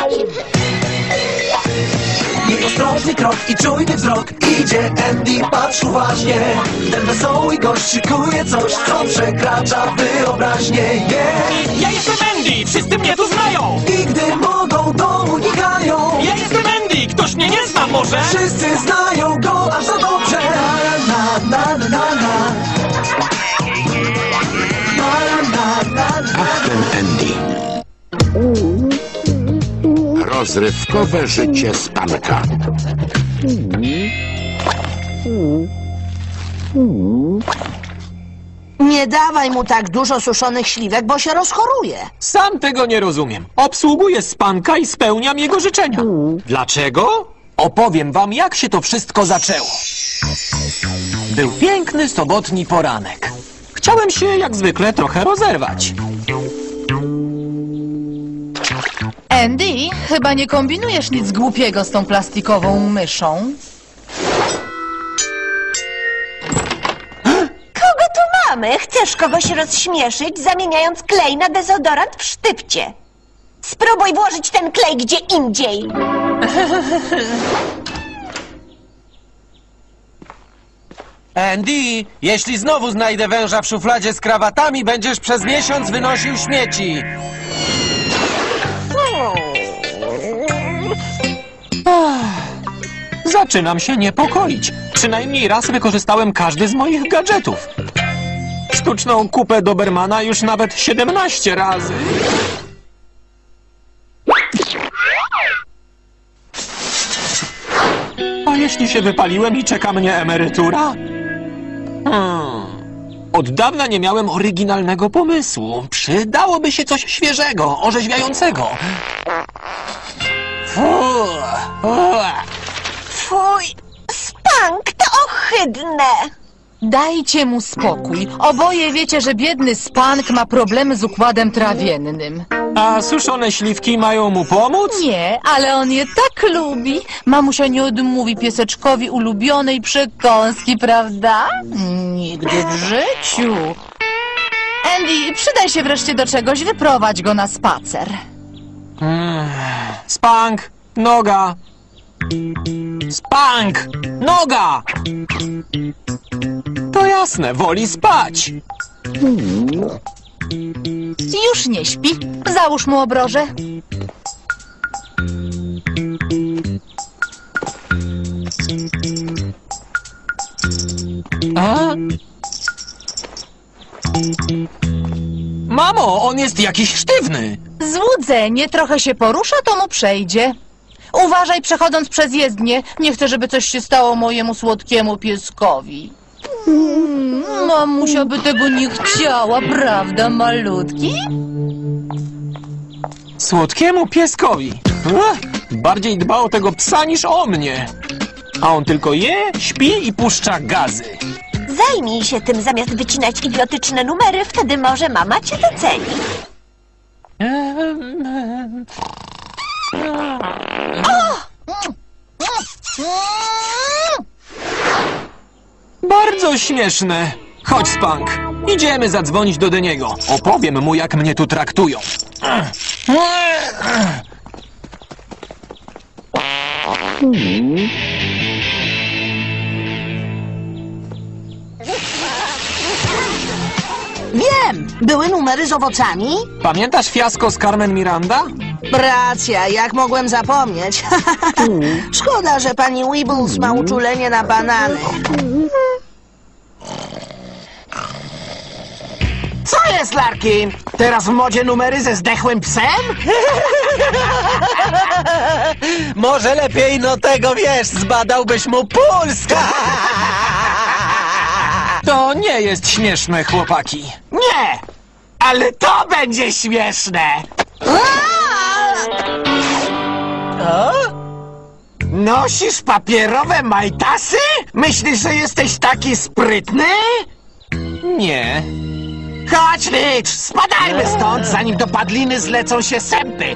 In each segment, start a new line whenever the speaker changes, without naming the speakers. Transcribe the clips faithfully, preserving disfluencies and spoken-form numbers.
Jej ostrożny krok i czujny wzrok. Idzie Andy, patrz uważnie. Ten wesoły gość szykuje coś, co przekracza wyobraźnię. Yeah.
Ja jestem Andy, wszyscy mnie tu znają!
I gdy mogą, to unikają.
Ja jestem Andy, ktoś mnie nie zna może?
Wszyscy znają go aż za dobrze. Na, na, na, na, na. Na, na, na, na.
Ach, ten Andy. Rozrywkowe życie Spanka.
Nie dawaj mu tak dużo suszonych śliwek, bo się rozchoruje.
Sam tego nie rozumiem. Obsługuję Spanka i spełniam jego życzenia. Dlaczego? Opowiem wam, jak się to wszystko zaczęło. Był piękny sobotni poranek. Chciałem się, jak zwykle, trochę rozerwać.
Andy, chyba nie kombinujesz nic głupiego z tą plastikową myszą.
Kogo tu mamy? Chcesz kogoś rozśmieszyć, zamieniając klej na dezodorant w sztywcie. Spróbuj włożyć ten klej gdzie indziej.
Andy, jeśli znowu znajdę węża w szufladzie z krawatami, będziesz przez miesiąc wynosił śmieci.
Zaczynam się niepokoić. Przynajmniej raz wykorzystałem każdy z moich gadżetów. Sztuczną kupę Dobermana już nawet siedemnaście razy. A jeśli się wypaliłem i czeka mnie emerytura? Hmm. Od dawna nie miałem oryginalnego pomysłu. Przydałoby się coś świeżego, orzeźwiającego. Fuh. Uah.
Fuj, Spank, to ohydne.
Dajcie mu spokój. Oboje wiecie, że biedny Spank ma problemy z układem trawiennym.
A suszone śliwki mają mu pomóc?
Nie, ale on je tak lubi. Mamusia nie odmówi pieseczkowi ulubionej przekąski, prawda? Nigdy w życiu. Andy, przydaj się wreszcie do czegoś, wyprowadź go na spacer.
Spank, noga. Spank, noga! To jasne, woli spać.
Już nie śpi. Załóż mu obroże.
A? Mamo, on jest jakiś sztywny.
Złudzenie, trochę się porusza, to mu przejdzie. Uważaj, przechodząc przez jezdnię. Nie chcę, żeby coś się stało mojemu słodkiemu pieskowi. Mm, mamusia by tego nie chciała, prawda, malutki?
Słodkiemu pieskowi. Ach, bardziej dba o tego psa niż o mnie. A on tylko je, śpi i puszcza gazy.
Zajmij się tym zamiast wycinać idiotyczne numery, wtedy może mama cię doceni.
Bardzo śmieszne. Chodź, Spank. Idziemy zadzwonić do Deniego. Opowiem mu, jak mnie tu traktują.
Wiem, były numery z owocami.
Pamiętasz fiasko z Carmen Miranda?
Racja, jak mogłem zapomnieć. Szkoda, że pani Weebles ma uczulenie na banany.
Co jest, Larkin? Teraz w modzie numery ze zdechłym psem?
Może lepiej, no tego wiesz, zbadałbyś mu puls.
To nie jest śmieszne, chłopaki.
Nie, ale to będzie śmieszne. O? Nosisz papierowe majtasy? Myślisz, że jesteś taki sprytny?
Nie.
Chodź, Rich, spadajmy stąd, zanim do padliny zlecą się sępy.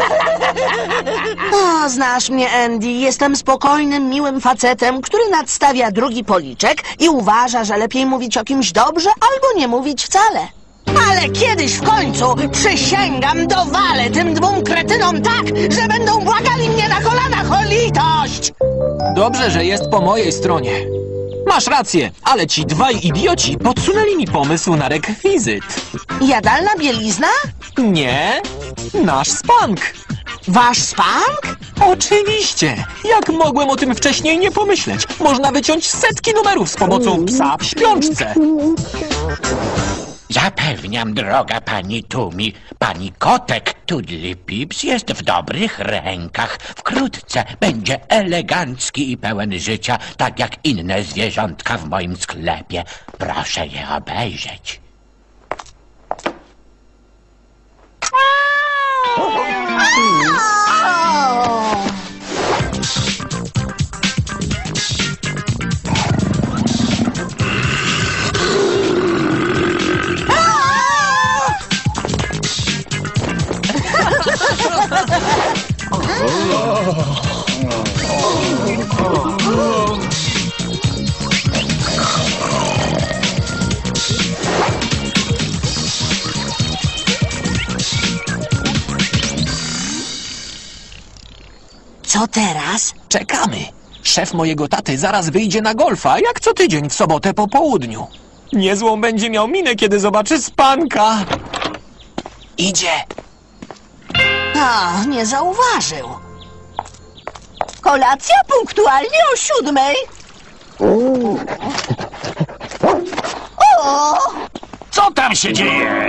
O, znasz mnie, Andy. Jestem spokojnym, miłym facetem, który nadstawia drugi policzek i uważa, że lepiej mówić o kimś dobrze albo nie mówić wcale. Ale kiedyś w końcu, przysięgam, dowalę tym dwóm kretynom tak, że będą błagali mnie na kolanach o litość!
Dobrze, że jest po mojej stronie. Masz rację, ale ci dwaj idioci podsunęli mi pomysł na rekwizyt.
Jadalna bielizna?
Nie, nasz spank.
Wasz spank?
Oczywiście! Jak mogłem o tym wcześniej nie pomyśleć? Można wyciąć setki numerów z pomocą psa w śpiączce.
Zapewniam, droga pani Tumi, pani kotek Tudlipips jest w dobrych rękach. Wkrótce będzie elegancki i pełen życia, tak jak inne zwierzątka w moim sklepie. Proszę je obejrzeć.
Co teraz?
Czekamy. Szef mojego taty zaraz wyjdzie na golfa, jak co tydzień w sobotę po południu. Niezłą będzie miał minę, kiedy zobaczy spanka. Idzie.
A, nie zauważył.
Kolacja punktualnie o siódmej.
Co tam się dzieje?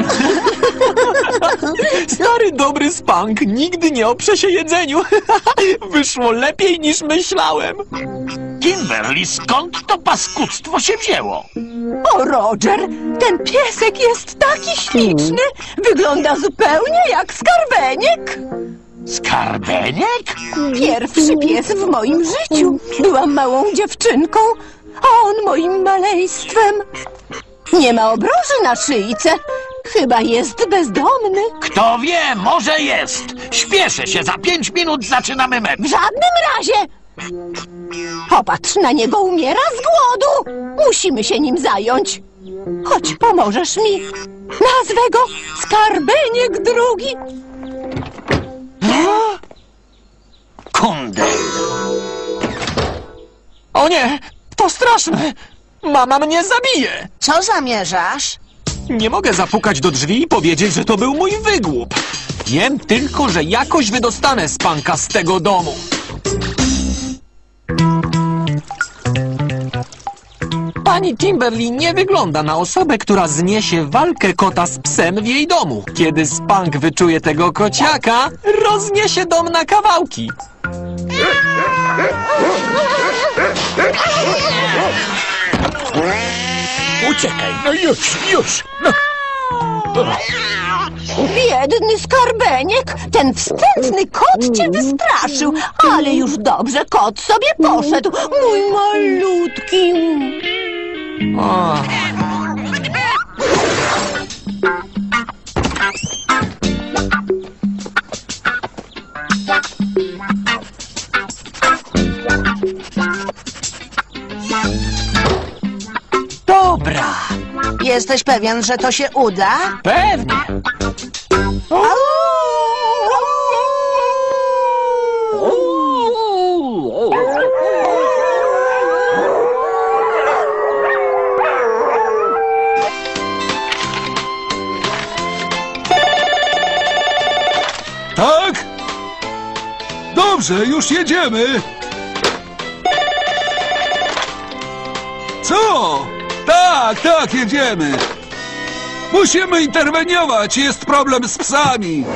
Stary dobry spank nigdy nie oprze się jedzeniu. Wyszło lepiej niż myślałem.
Kimberly, skąd to paskudztwo się wzięło?
O, Roger, ten piesek jest taki śliczny. Wygląda zupełnie jak skarbeniek.
Skarbeniek?
Pierwszy pies w moim życiu. Byłam małą dziewczynką, a on moim maleństwem. Nie ma obroży na szyjce. Chyba jest bezdomny.
Kto wie, może jest. Śpieszę się, za pięć minut zaczynamy mecz.
W żadnym razie. Popatrz, na niego umiera z głodu. Musimy się nim zająć. Chodź, pomożesz mi. Nazwę go Skarbeniek drugi.
Kundel.
O nie, to straszne. Mama mnie zabije.
Co zamierzasz?
Nie mogę zapukać do drzwi i powiedzieć, że to był mój wygłup. Wiem tylko, że jakoś wydostanę spanka z tego domu. Pani Kimberly nie wygląda na osobę, która zniesie walkę kota z psem w jej domu. Kiedy spank wyczuje tego kociaka, rozniesie dom na kawałki.
Uciekaj, no już, już. No.
Biedny Skarbeniek, ten wstrętny kot cię wystraszył. Ale już dobrze, kot sobie poszedł. Mój malutki.
O. Dobra,
Jesteś pewien, że to się uda?
pewnie.
Tak? Dobrze, już jedziemy. Co? Tak, tak, jedziemy. Musimy interweniować, jest problem z psami.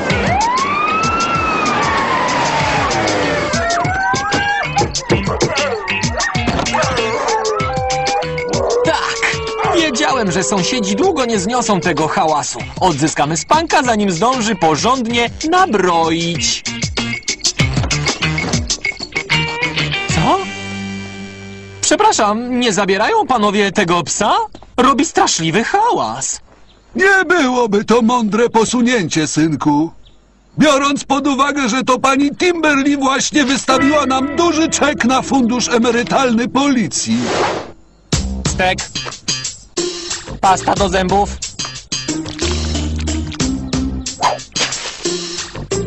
Tak! Wiedziałem, że sąsiedzi długo nie zniosą tego hałasu. Odzyskamy spanka, zanim zdąży porządnie nabroić. Co? Przepraszam, nie zabierają panowie tego psa? Robi straszliwy hałas.
Nie byłoby to mądre posunięcie, synku. Biorąc pod uwagę, że to pani Timberly właśnie wystawiła nam duży czek na fundusz emerytalny policji.
Stek. Pasta do zębów.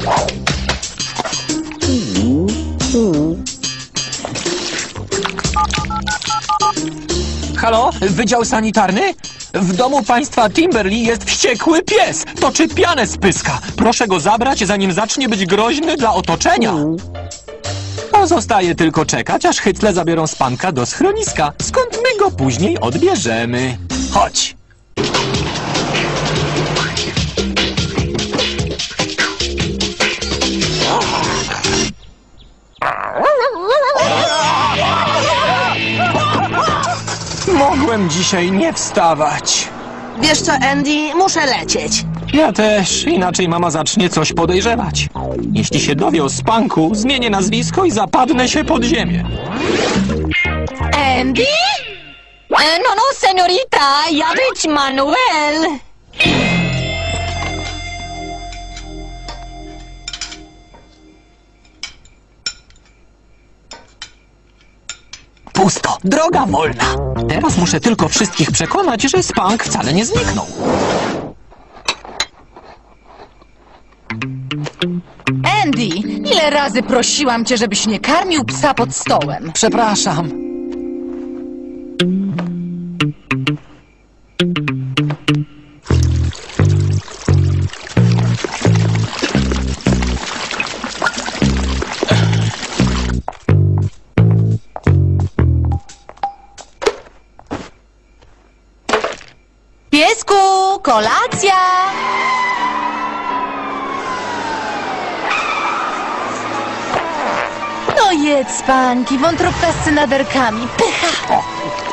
Halo? Wydział sanitarny? W domu państwa Timberly jest wściekły pies. Toczy pianę z pyska. Proszę go zabrać, zanim zacznie być groźny dla otoczenia. Pozostaje tylko czekać, aż hycle zabiorą Spanka do schroniska, skąd my go później odbierzemy. Chodź. Mogłem dzisiaj nie wstawać.
Wiesz co, Andy? Muszę lecieć.
Ja też, inaczej mama zacznie coś podejrzewać. Jeśli się dowie o Spanku, zmienię nazwisko i zapadnę się pod ziemię.
Andy?
E, no, no, seniorita, ja być Manuel.
Pusto, droga wolna. Teraz muszę tylko wszystkich przekonać, że Spank wcale nie zniknął.
Andy, ile razy prosiłam cię, żebyś nie karmił psa pod stołem?
Przepraszam.
Piesku, kolacja! No jedz, Spanki, wątróbka z cynaderkami. Pycha!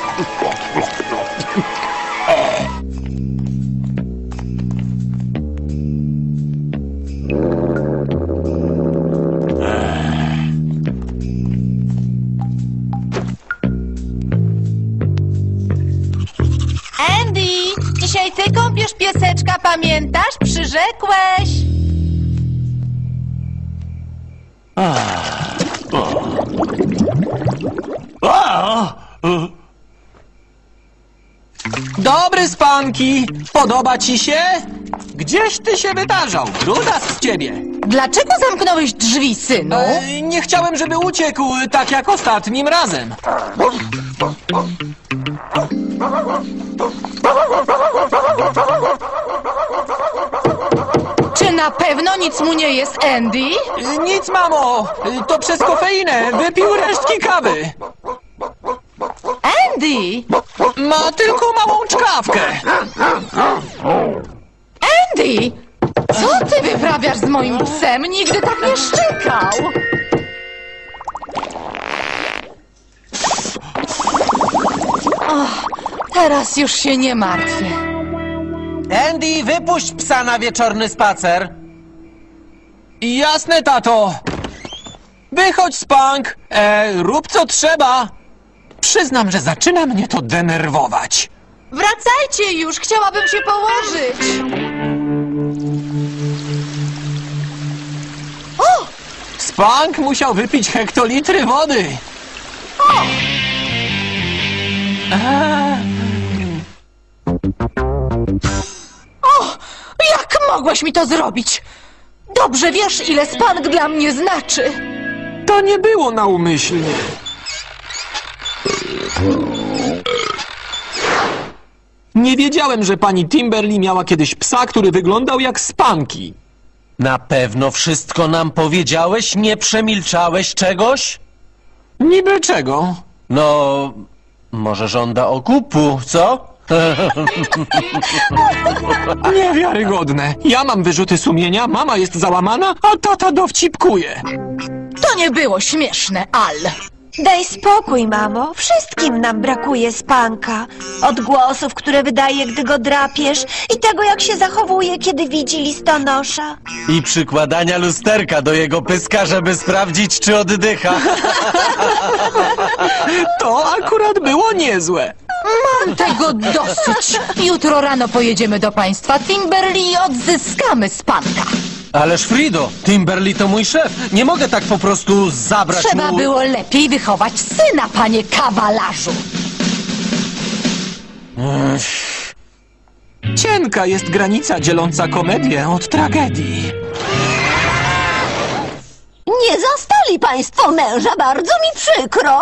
Andy, dzisiaj ty kąpiesz pieseczka, pamiętasz? Przyrzekłeś.
Dobry, Spanki! Podoba ci się? Gdzieś ty się wydarzał, brudas z ciebie.
Dlaczego zamknąłeś drzwi, synu?
E, nie chciałem, żeby uciekł, tak jak ostatnim razem.
Czy na pewno nic mu nie jest, Andy?
E, Nic, mamo! E, To przez kofeinę. Wypił resztki kawy.
Andy!
Ma tylko małą czkawkę.
Andy! Co ty wyprawiasz z moim psem? Nigdy tak nie szczekał! Och, teraz już się nie martwię.
Andy, wypuść psa na wieczorny spacer.
Jasne, tato. Wychodź, Spank. E, rób co trzeba. Przyznam, że zaczyna mnie to denerwować.
Wracajcie już, chciałabym się położyć. O!
Spank musiał wypić hektolitry wody.
O! Jak mogłeś mi to zrobić? Dobrze wiesz, ile Spank dla mnie znaczy.
To nie było naumyślnie. Nie wiedziałem, że pani Timberly miała kiedyś psa, który wyglądał jak Spanki.
Na pewno wszystko nam powiedziałeś? Nie przemilczałeś czegoś?
Niby czego?
No, może żąda okupu, co?
Niewiarygodne. Ja mam wyrzuty sumienia, mama jest załamana, a tata dowcipkuje.
To nie było śmieszne, Al.
Daj spokój, mamo. Wszystkim nam brakuje Spanka. Odgłosów, które wydaje, gdy go drapiesz i tego, jak się zachowuje, kiedy widzi listonosza.
I przykładania lusterka do jego pyska, żeby sprawdzić, czy oddycha.
To akurat było niezłe.
Mam tego dosyć. Jutro rano pojedziemy do państwa Timberly i odzyskamy Spanka.
Ależ Frido, Timberly to mój szef. Nie mogę tak po prostu zabrać
Trzeba
mu...
było lepiej wychować syna, panie kawalarzu.
Cienka jest granica dzieląca komedię od tragedii.
Poznali państwo męża, bardzo mi przykro.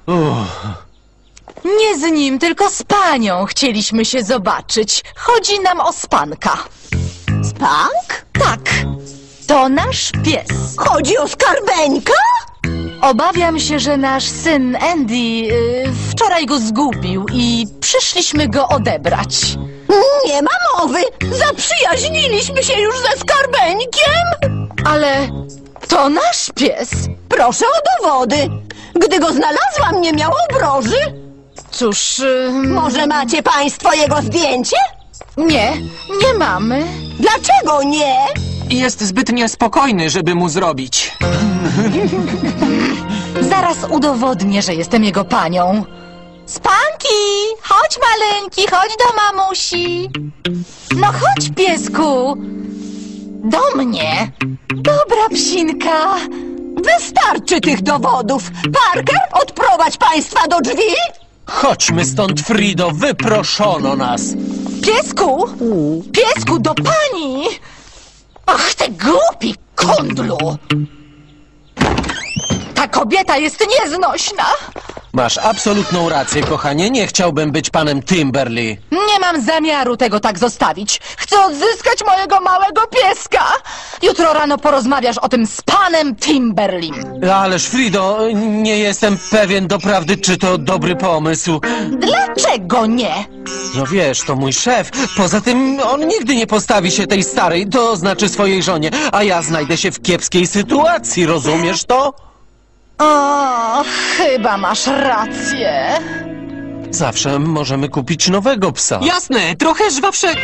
Nie z nim, tylko z panią chcieliśmy się zobaczyć. Chodzi nam o Spanka.
Spank?
Tak, to nasz pies.
Chodzi o Skarbeńka?
Obawiam się, że nasz syn Andy y, wczoraj go zgubił i przyszliśmy go odebrać.
Nie ma mowy. Zaprzyjaźniliśmy się już ze Skarbeńkiem.
Ale to nasz pies.
Proszę o dowody. Gdy go znalazłam, nie miał obroży.
Cóż, y,
Może macie państwo jego zdjęcie?
nie, nie mamy.
Dlaczego nie?
Jest zbyt niespokojny, żeby mu zrobić.
Zaraz udowodnię, że jestem jego panią. Spanki, chodź maleńki, chodź do mamusi. No chodź, piesku. Do mnie. Dobra, psinka.
Wystarczy tych dowodów. Parker, odprowadź państwa do drzwi.
Chodźmy stąd, Frido, wyproszono nas.
Piesku, piesku, do pani. Ach, ty głupi kundlu. Ta kobieta jest nieznośna.
Masz absolutną rację, kochanie, nie chciałbym być panem Timberly.
Nie mam zamiaru tego tak zostawić. Chcę odzyskać mojego małego pieska. Jutro rano porozmawiasz o tym z panem Timberlim.
Ależ, Frido, nie jestem pewien doprawdy, czy to dobry pomysł.
Dlaczego nie?
No wiesz, to mój szef. Poza tym on nigdy nie postawi się tej starej, to znaczy swojej żonie, a ja znajdę się w kiepskiej sytuacji, rozumiesz to?
O, chyba masz rację.
Zawsze możemy kupić nowego psa.
Jasne, trochę żwawszego.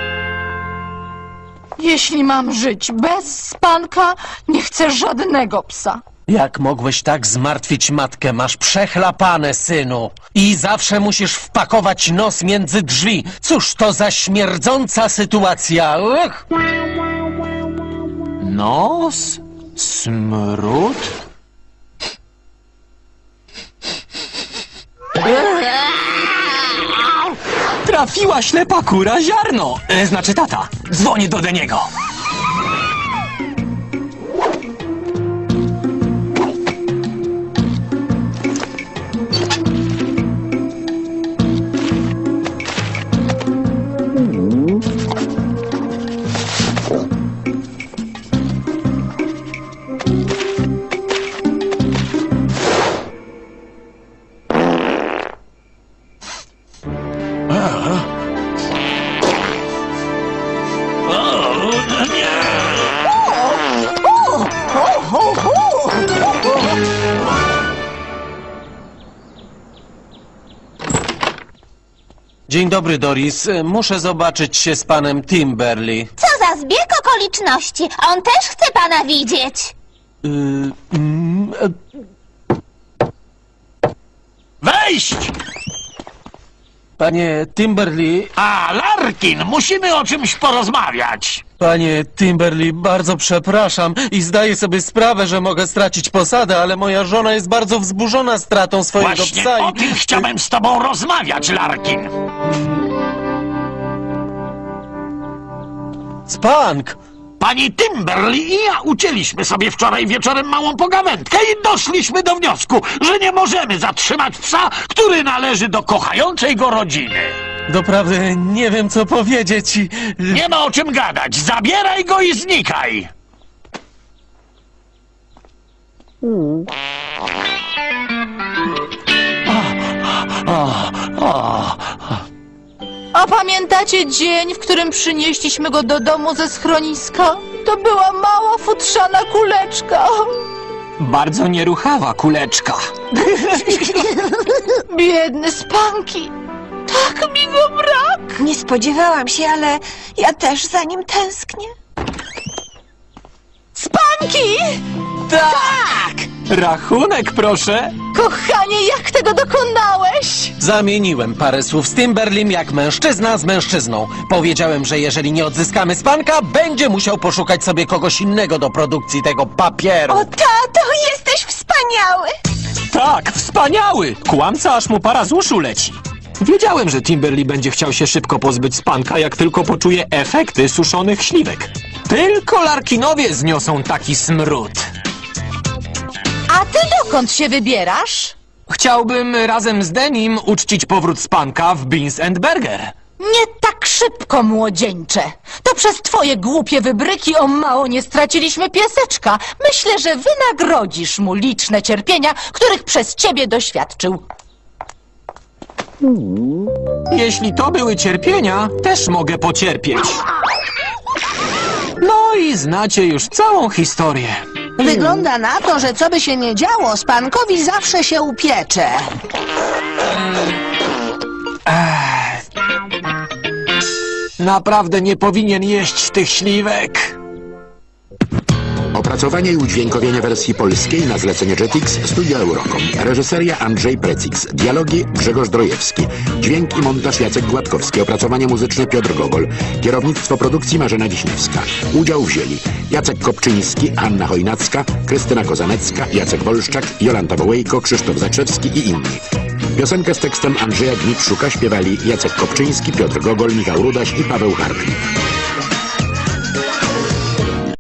Jeśli mam żyć bez Spanka, nie chcę żadnego psa.
Jak mogłeś tak zmartwić matkę? Masz przechlapane, synu. I zawsze musisz wpakować nos między drzwi. Cóż to za śmierdząca sytuacja. Uch.
Nos? Smród? Trafiła ślepa kura ziarno. E, znaczy tata. Dzwonię do Deniego.
Dzień dobry, Doris. Muszę zobaczyć się z panem Timberly.
Co za zbieg okoliczności! On też chce pana widzieć!
Yy, mm, e,
Wejść!
Panie Timberly,
A, Larkin, musimy o czymś porozmawiać.
panie Timberly, bardzo przepraszam i zdaję sobie sprawę, że mogę stracić posadę, ale moja żona jest bardzo wzburzona stratą swojego
Właśnie
psa
o
i...
tym chciałem z tobą rozmawiać, Larkin.
Spank!
Pani Timberly i ja ucięliśmy sobie wczoraj wieczorem małą pogawędkę i doszliśmy do wniosku, że nie możemy zatrzymać psa, który należy do kochającej go rodziny.
Doprawdy nie wiem, co powiedzieć i...
Nie ma o czym gadać. Zabieraj go i znikaj.
A pamiętacie dzień, w którym przynieśliśmy go do domu ze schroniska? To była mała futrzana kuleczka.
Bardzo nieruchawa kuleczka.
Biedny Spanki. Tak mi go brak.
Nie spodziewałam się, ale ja też za nim tęsknię.
Spanki! Tak!
Rachunek, proszę.
Kochanie, jak tego dokonałeś?
Zamieniłem parę słów z Timberlim jak mężczyzna z mężczyzną. Powiedziałem, że jeżeli nie odzyskamy Spanka, będzie musiał poszukać sobie kogoś innego do produkcji tego papieru.
O, tato, jesteś wspaniały!
Tak, wspaniały. Kłamca, aż mu para z uszu leci. Wiedziałem, że Timberly będzie chciał się szybko pozbyć Spanka, jak tylko poczuje efekty suszonych śliwek. Tylko Larkinowie zniosą taki smród.
dokąd się wybierasz?
Chciałbym razem z Denim uczcić powrót Spanka w Beans and Burger.
Nie tak szybko, młodzieńcze. To przez twoje głupie wybryki o mało nie straciliśmy pieseczka. Myślę, że wynagrodzisz mu liczne cierpienia, których przez ciebie doświadczył.
Jeśli to były cierpienia, też mogę pocierpieć. No i znacie już całą historię.
Wygląda na to, że co by się nie działo, Spankowi zawsze się upiecze.
Naprawdę nie powinien jeść tych śliwek.
Opracowanie i udźwiękowienie wersji polskiej na zlecenie Jetix Studio Eurocom. Reżyseria Andrzej Precix. Dialogi Grzegorz Drojewski. Dźwięk i montaż Jacek Gładkowski. Opracowanie muzyczne Piotr Gogol. Kierownictwo produkcji Marzena Wiśniewska. Udział wzięli Jacek Kopczyński, Anna Chojnacka, Krystyna Kozanecka, Jacek Wolszczak, Jolanta Wołejko, Krzysztof Zakrzewski i inni. Piosenkę z tekstem Andrzeja Gniewszuka śpiewali Jacek Kopczyński, Piotr Gogol, Michał Rudaś i Paweł Hartwig.